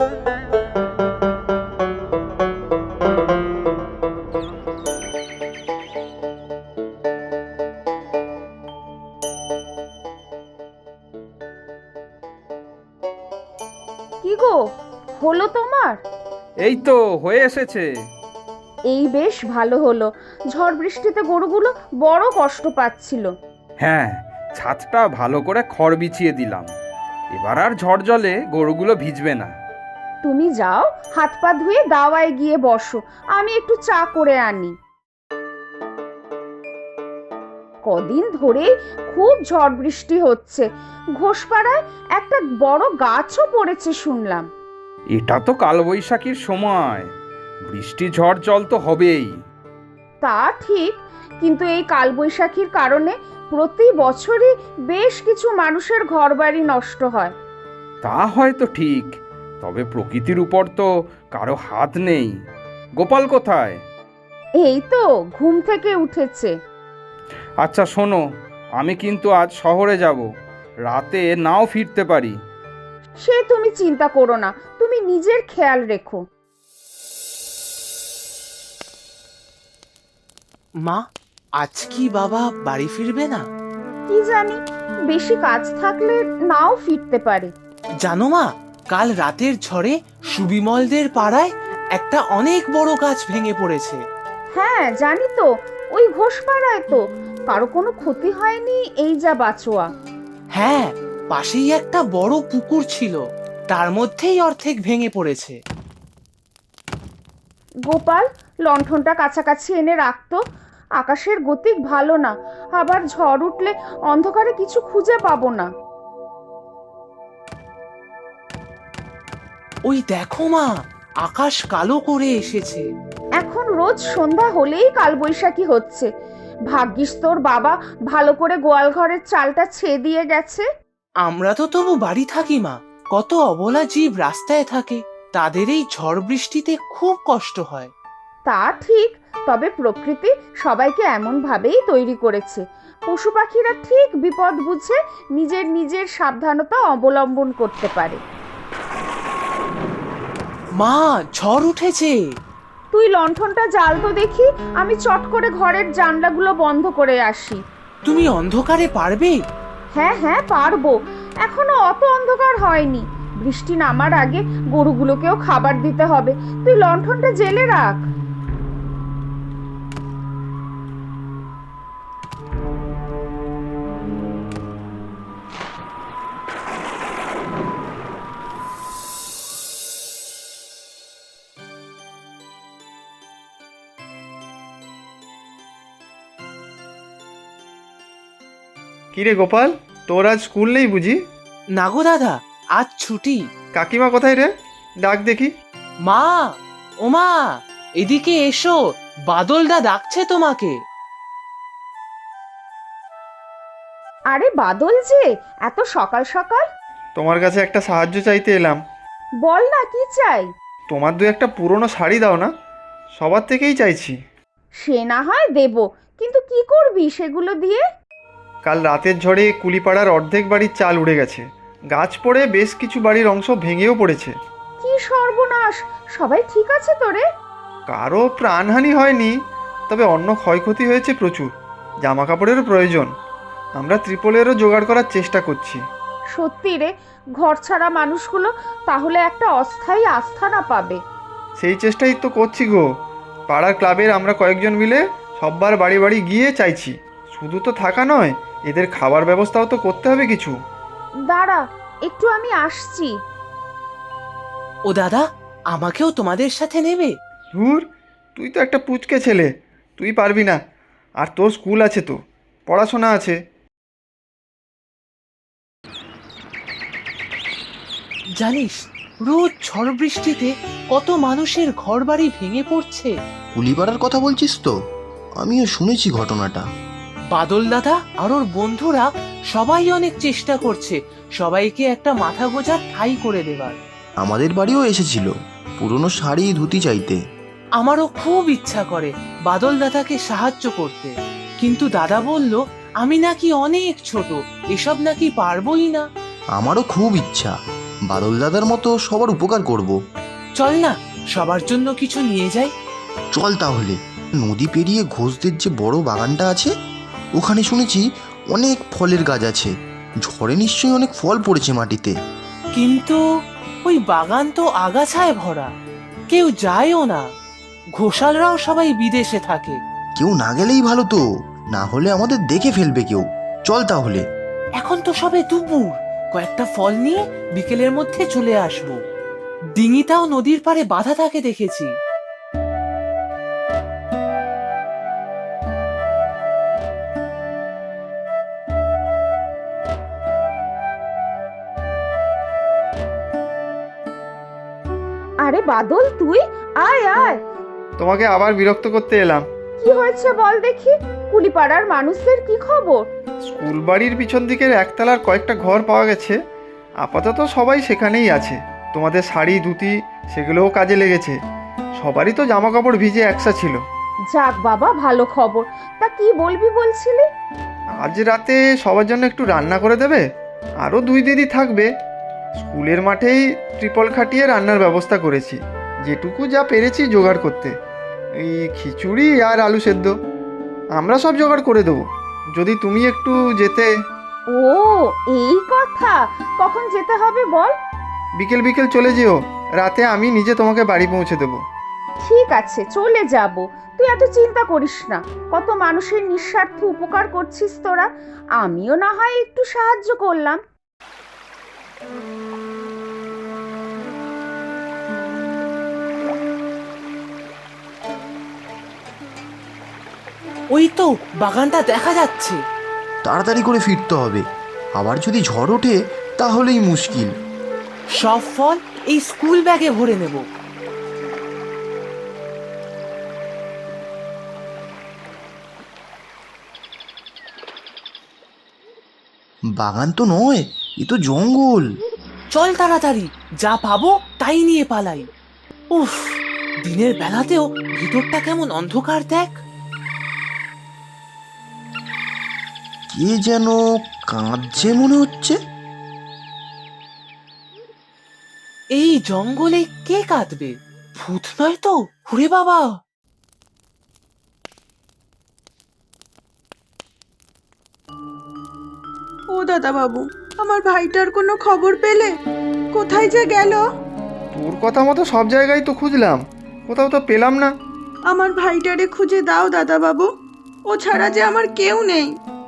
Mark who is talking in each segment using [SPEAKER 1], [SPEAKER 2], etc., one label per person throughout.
[SPEAKER 1] কি গো, হলো তোমার?
[SPEAKER 2] এই তো হয়ে এসেছে।
[SPEAKER 1] এই বেশ ভালো হলো। ঝড় বৃষ্টিতে গরুগুলো বড় কষ্ট পাচ্ছিল।
[SPEAKER 2] হ্যাঁ, ছাদটা ভালো করে খড় বিছিয়ে দিলাম। এবার আর ঝড় জলে গরুগুলো ভিজবে না।
[SPEAKER 1] তুমি যাও, হাত পা ধুয়ে দাওয়ায় গিয়ে বসো, আমি একটু চা করে আনি। কদিন ধরে খুব ঝড় বৃষ্টি হচ্ছে। ঘোষপাড়ায় একটা বড় গাছও পড়েছে শুনলাম।
[SPEAKER 2] এটা তো কালবৈশাখীর সময়, বৃষ্টি ঝড় জল তো হবেই।
[SPEAKER 1] তা ঠিক, কিন্তু এই কালবৈশাখীর কারণে প্রতি বছরই বেশ কিছু মানুষের ঘরবাড়ি নষ্ট হয়।
[SPEAKER 2] তা হয়তো ঠিক, তবে প্রকৃতির উপর তো কারো হাত নেই। গোপাল কোথায়?
[SPEAKER 1] এই তো ঘুম থেকে উঠেছে।
[SPEAKER 2] আচ্ছা শোনো, আমি কিন্তু আজ শহরে যাব, রাতে নাও ফিরতে পারি।
[SPEAKER 1] সে তুমি চিন্তা করো না, তুমি নিজের খেয়াল রেখো।
[SPEAKER 3] মা, আজ কি বাবা বাড়ি ফিরবে না?
[SPEAKER 1] কি জানি, বেশি কাজ থাকলে নাও ফিরতে পারে।
[SPEAKER 3] জানো মা, কাল রাতের ঝড়ে সুবিমলদের পাড়ায় একটা অনেক বড় গাছ ভেঙে পড়েছে।
[SPEAKER 1] হ্যাঁ জানি তো, ওই ঘোষপাড়ায় তো কারো কোনো ক্ষতি হয়নি, এই যা বাঁচোয়া।
[SPEAKER 3] হ্যাঁ, পাশেই একটা বড় পুকুর ছিল, তার মধ্যেই অর্ধেক ভেঙে পড়েছে।
[SPEAKER 1] গোপাল, লণ্ঠনটা কাছাকাছি এনে রাখতো। আকাশের গতিক ভালো না, আবার ঝড় উঠলে অন্ধকারে কিছু খুঁজে পাবো না।
[SPEAKER 3] ওই দেখো মা, আকাশ কালো করে এসেছে।
[SPEAKER 1] এখন রোজ সন্ধ্যা হলেই কালবৈশাখী হচ্ছে। ভাগ্যিস তোর বাবা ভালো করে গোয়াল ঘরের চালটা ছেয়ে দিয়ে গেছে।
[SPEAKER 3] আমরা তো তবু বাড়ি থাকি মা, কত অবলা জীব রাস্তায় থাকে, তাদের এই ঝড় বৃষ্টিতে খুব কষ্ট হয়।
[SPEAKER 1] তা ঠিক, তবে প্রকৃতি সবাইকে এমন ভাবেই তৈরি করেছে। পশু পাখিরা ঠিক বিপদ বুঝে নিজের নিজের সাবধানতা অবলম্বন করতে পারে।
[SPEAKER 3] মা, ঝড় উঠেছে।
[SPEAKER 1] তুই লণ্ঠনটা জ্বাল তো দেখি, আমি চট করে ঘরের জানলাগুলো বন্ধ করে আসি।
[SPEAKER 3] তুমি অন্ধকারে পারবে?
[SPEAKER 1] হ্যাঁ হ্যাঁ পারবো, এখনো অত অন্ধকার হয়নি। বৃষ্টি নামার আগে গরুগুলোকেও খাবার দিতে হবে। তুই লণ্ঠনটা জ্বেলে রাখ।
[SPEAKER 4] কিরে গোপাল, তোর আজ স্কুল নেই বুঝি?
[SPEAKER 3] না গো দাদা, আজ ছুটি।
[SPEAKER 4] কাকিমা কোথায় রে? ডাক দেখি।
[SPEAKER 3] মা, ও মা, এদিকে এসো, বাদলদা ডাকছে তোমাকে।
[SPEAKER 1] আরে বাদল যে, এত সকাল সকাল?
[SPEAKER 4] তোমার কাছে একটা সাহায্য চাইতে এলাম।
[SPEAKER 1] বল না, কি চাই?
[SPEAKER 4] তোমার দু একটা পুরনো শাড়ি দাও না, সবার থেকেই চাইছি।
[SPEAKER 1] সে না হয় দেব, কিন্তু কি করবি সেগুলো দিয়ে?
[SPEAKER 4] কাল রাতের ঝড়ে কুলিপাড়ার অর্ধেক বাড়ির চাল উড়ে গেছে, গাছ পড়ে বেশ কিছু বাড়ির অংশ ভেঙেও পড়েছে।
[SPEAKER 1] কি সর্বনাশ! সবাই ঠিক আছে তো রে?
[SPEAKER 4] কারো প্রাণহানি হয়নি, তবে অন্য ক্ষয়ক্ষতি হয়েছে প্রচুর। জামা কাপড়েরও প্রয়োজন, আমরা ত্রিপলেরও জোগাড় করার চেষ্টা করছি।
[SPEAKER 1] সত্যি রে, ঘর ছাড়া মানুষগুলো তাহলে একটা অস্থায়ী আস্থানা পাবে।
[SPEAKER 4] সেই চেষ্টাই তো করছি গো। পাড়ার ক্লাবের আমরা কয়েকজন মিলে সববার বাড়ি বাড়ি গিয়ে চাইছি। শুধু তো থাকা নয়, এদের খাবার ব্যবস্থাও তো করতে হবে কিছু।
[SPEAKER 1] দাঁড়া, একটু আমি আসছি।
[SPEAKER 3] ও দাদা, আমাকেও তোমাদের সাথে নেবে?
[SPEAKER 4] ধুর, তুই তো একটা পুচকে ছেলে, তুই পারবি না। আর তোর স্কুল আছে, তো পড়াশোনা আছে।
[SPEAKER 3] জানিস, রোজ ঝড় বৃষ্টিতে কত মানুষের ঘরবাড়ি ভেঙে পড়ছে।
[SPEAKER 5] কুলিপাড়ার কথা বলছিস তো? আমিও শুনেছি ঘটনাটা।
[SPEAKER 3] বাদল দাদা আর ওর বন্ধুরা সবাই অনেক চেষ্টা করছে সবাইকে একটা মাথা গোঁজার ঠাঁই করে দেবার।
[SPEAKER 5] আমাদের বাড়িও এসেছিল পুরনো শাড়ি ধুতি চাইতে।
[SPEAKER 3] আমারও খুব ইচ্ছা করে বাদল দাদাকে সাহায্য করতে, কিন্তু দাদা বলল আমি নাকি অনেক ছোট, এসব নাকি পারবোই না।
[SPEAKER 5] আমারও খুব ইচ্ছা, বাদল দাদার মতো সবার উপকার করব।
[SPEAKER 3] চল না, সবার জন্য কিছু নিয়ে যাই।
[SPEAKER 5] চল তাহলে। নদী পেরিয়ে ঘোষদের যে বড় বাগানটা আছে, ওখানে শুনেছি অনেক ফলের গাছ আছে। ঝড়ে নিশ্চয়ই অনেক ফল পড়েছে মাটিতে।
[SPEAKER 3] কিন্তু ওই বাগান তো আগাছায় ভরা, কেউ যায়ও না। ঘোষালরাও সবাই বিদেশে থাকে।
[SPEAKER 5] কেউ না গেলেই ভালো তো, না হলে আমাদের দেখে ফেলবে কেউ। চল তাহলে।
[SPEAKER 3] এখন তো সবে দুপুর, কয়েকটা ফল নিয়ে বিকেলের মধ্যে চলে আসবো। ডিঙিটাও নদীর পাড়ে বাঁধা থাকে দেখেছি।
[SPEAKER 1] আরে বাদল, তুই আয় আয়।
[SPEAKER 4] তোমাকে আবার বিরক্ত করতে এলাম।
[SPEAKER 1] কি হয়েছে বল দেখি? কুলিপাড়ার মানুষদের কি খবর?
[SPEAKER 4] স্কুল বাড়ির পিছন দিকের একতলার কয়েকটা ঘর পাওয়া গেছে। আপাতত সবাই সেখানেই আছে। তোমাদের শাড়ি ধুতি সেগুলোও কাজে লেগেছে। সবারই তো জামা কাপড় ভিজে একসা ছিল।
[SPEAKER 1] যাক বাবা, ভালো খবর। তা কি বলবি বলছিলি?
[SPEAKER 4] আজ রাতে সবার জন্য একটু রান্না করে দেবে। আরও 2 দিদি থাকবে। স্কুলের মাঠেই ট্রিপল খাটিয়ে রান্নার ব্যবস্থা করেছি। যেটুকু যা পেরেছি জোগাড় করতে। এই খিচুড়ি আর আলু সেদ্ধ আমরা সব জোগাড় করে দেবো, যদি তুমি একটু যেতে।
[SPEAKER 1] ও, এই কথা। কখন যেতে হবে বল?
[SPEAKER 4] বিকেল বিকেল চলে যেও। রাতে আমি নিজে তোমাকে বাড়ি পৌঁছে দেবো।
[SPEAKER 1] ঠিক আছে, চলে যাব। তুই এত চিন্তা করিস না। কত মানুষের নিঃস্বার্থ উপকার করছিস তোরা। আমিও না হয় একটু সাহায্য করলাম।
[SPEAKER 3] ওই তো বাগানটা দেখা যাচ্ছে।
[SPEAKER 5] তাড়াতাড়ি করে ফিরতে হবে, আবার যদি ঝড় ওঠে তাহলেই মুশকিল।
[SPEAKER 3] সব ফল এই স্কুল ব্যাগে ভরে নেব।
[SPEAKER 5] বাগান তো নয়, এ তো জঙ্গল।
[SPEAKER 3] চল তাড়াতাড়ি, যা পাবো তাই নিয়ে পালাই। উফ, দিনের বেলাতেও ভিতরটা কেমন অন্ধকার দেখ।
[SPEAKER 5] কে যেন কাঁদছে মনে হচ্ছে।
[SPEAKER 3] এই জঙ্গলে কে কাঁদবে? ভূত নয় তো? ওরে বাবা!
[SPEAKER 6] ও দাদা বাবু, আমার ভাইটার কোনো খবর পেলে? কোথায় যে গেল?
[SPEAKER 4] তোর কথা মতো সব জায়গায় তো খুঁজলাম, কোথাও তো পেলাম না।
[SPEAKER 6] আমার ভাইটারে খুঁজে দাও দাদা বাবু, ও ছাড়া যে আমার কেউ নেই।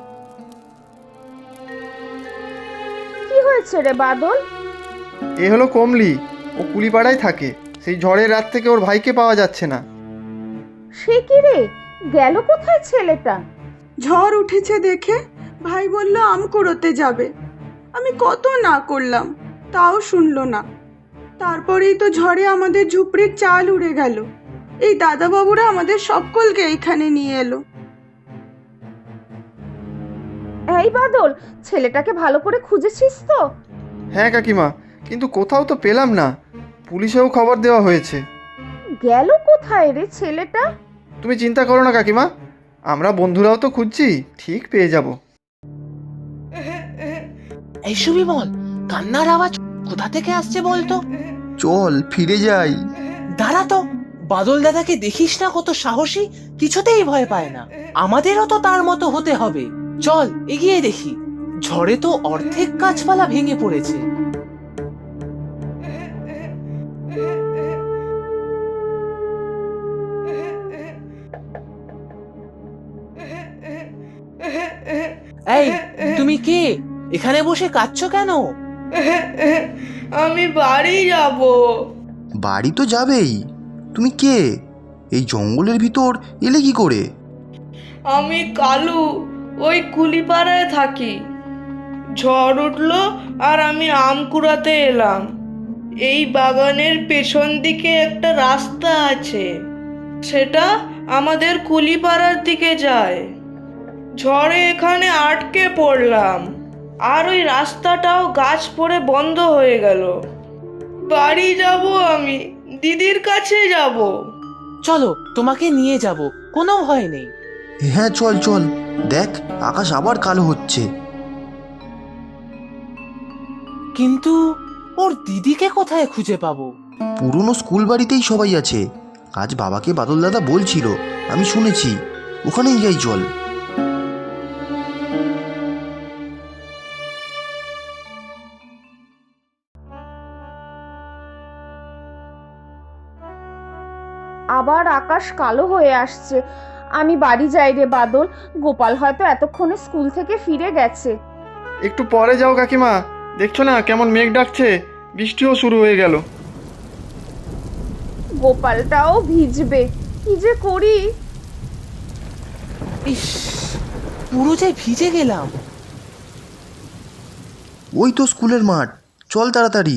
[SPEAKER 1] কি হয়েছে রে বাদল?
[SPEAKER 4] এ হলো কমলি। ও কুলিপাড়ায় থাকে। সেই ঝড়ের রাত থেকে ওর ভাইকে পাওয়া যাচ্ছে না।
[SPEAKER 1] সে কি রে, গেল কোথায় ছেলেটা?
[SPEAKER 6] ঝড় উঠেছে দেখে ভাই বলল আম কুড়োতে যাবে। আমি কত না করলাম, তাও শুনলো না। তারপরেই তো ঝড়ে আমাদের ঝুপড়ির চাল উড়ে গেল। এই দাদা বাবুরা আমাদের সকলকে এইখানে নিয়ে এলো।
[SPEAKER 1] এই বাদল, ছেলেটাকে ভালো করে খুঁজেছিস তো?
[SPEAKER 4] হ্যাঁ কাকিমা, কিন্তু কোথাও তো পেলাম না। পুলিশেও খবর দেওয়া হয়েছে।
[SPEAKER 1] গেল কোথায় রে ছেলেটা?
[SPEAKER 4] তুমি চিন্তা করো না কাকিমা, আমরা বন্ধুরাও তো খুঁজছি, ঠিক পেয়ে যাব।
[SPEAKER 3] এই সুবিমল, কান্নার আওয়াজ কোথা থেকে আসছে বলতো?
[SPEAKER 5] চল ফিরে যাই।
[SPEAKER 3] দাঁড়া তো, বাদল দাদাকে দেখিস না কত সাহসী, কিছুতেই ভয় পায় না। আমাদেরও তো তার মতো হতে হবে। চল এগিয়ে দেখি। ঝড়ে তো অর্ধেক গাছপালা ভেঙে পড়েছে। এই, তুমি কে? এখানে বসে কাঁদছো কেন?
[SPEAKER 7] আমি বাড়ি যাব।
[SPEAKER 5] বাড়ি তো যাবেই। তুমি কে? এই জঙ্গলের ভিতর এলে কি করে?
[SPEAKER 7] আমি কালু, ওই কুলিপাড়ায় থাকি। ঝড় উঠলো আর আমি আম কুড়াতে এলাম। এই বাগানের পেছন দিকে একটা রাস্তা আছে, সেটা আমাদের কুলিপাড়ার দিকে যায়। ঝড়ে এখানে আটকে পড়লাম, আর ওই রাস্তাটাও গাছ পড়ে বন্ধ হয়ে গেল। বাড়ি যাব, আমি দিদির কাছে যাব।
[SPEAKER 3] চলো, তোমাকে নিয়ে যাব, কোনো ভয় নেই।
[SPEAKER 5] হ্যাঁ চল চল, দেখ আকাশ আবার কালো হচ্ছে।
[SPEAKER 3] কিন্তু ওর দিদিকে কোথায় খুঁজে পাবো?
[SPEAKER 5] পুরনো স্কুল বাড়িতেই সবাই আছে। আজ বাবাকে বাদল দাদা বলছিল, আমি শুনেছি। ওখানেই যাই চল।
[SPEAKER 1] আবার আকাশ কালো হয়ে আসছে। আমি বাড়ি যাই রে বাদল, গোপাল হয়তো এতক্ষণে স্কুল থেকে ফিরে গেছে।
[SPEAKER 4] একটু পরে যাও কাকিমা, দেখছো না কেমন মেঘ ডাকছে, বৃষ্টিও শুরু হয়ে গেল।
[SPEAKER 1] গোপালটাও ভিজবে, কি যে করি।
[SPEAKER 3] ইস, পুরো যে ভিজে গেলাম।
[SPEAKER 5] ওই তো স্কুলের মাঠ, চল তাড়াতাড়ি।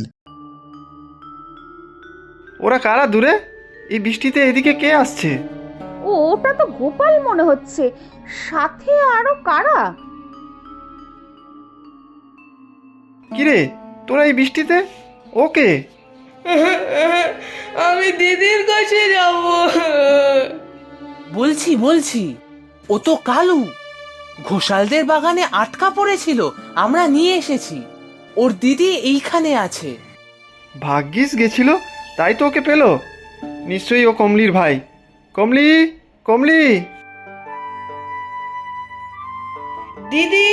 [SPEAKER 4] ওরা কারা দূরে? এই বৃষ্টিতে এদিকে কে আসছে?
[SPEAKER 1] ও, ওটা তো গোপাল মনে হচ্ছে। সাথে আরো কারা?
[SPEAKER 4] কিরে, তোরা এই বৃষ্টিতে? ওকে
[SPEAKER 7] আমি দিদির কাছে যাব।
[SPEAKER 3] বলছি ও তো কালু। ঘোষালদের বাগানে আটকা পড়েছিল, আমরা নিয়ে এসেছি। ওর দিদি এইখানে আছে।
[SPEAKER 4] ভাগ্যিস গেছিল, তাই তো ওকে পেলো। নিশ্চয়ই ও কমলির ভাই। কমলি, কমলি।
[SPEAKER 7] দিদি,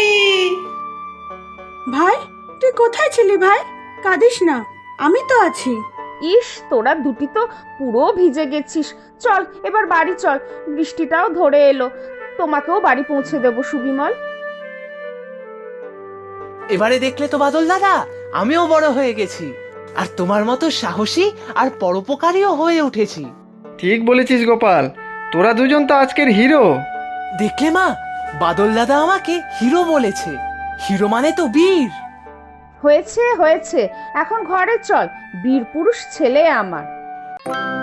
[SPEAKER 6] ভাই, তুই কোথায় ছিলি ভাই? কাঁদিস না, আমি তো আছি।
[SPEAKER 1] ইস, তোরা দুটি তো পুরো ভিজে গেছিস। চল এবার বাড়ি চল, বৃষ্টিটাও ধরে এলো। তোমাকেও বাড়ি পৌঁছে দেবো সুবিমল।
[SPEAKER 3] এবারে দেখলে তো বাদল দাদা, আমিও বড় হয়ে গেছি, আর তোমার মতো সাহসী আর পরোপকারীও হয়ে উঠেছি।
[SPEAKER 4] ঠিক বলেছিস গোপাল, তোরা দুজন তো আজকের হিরো।
[SPEAKER 3] দেখলে মা, বাদল দাদা আমাকে হিরো বলেছে। হিরো মানে তো বীর।
[SPEAKER 1] হয়েছে হয়েছে, এখন ঘরে চল, বীর পুরুষ ছেলে আমার।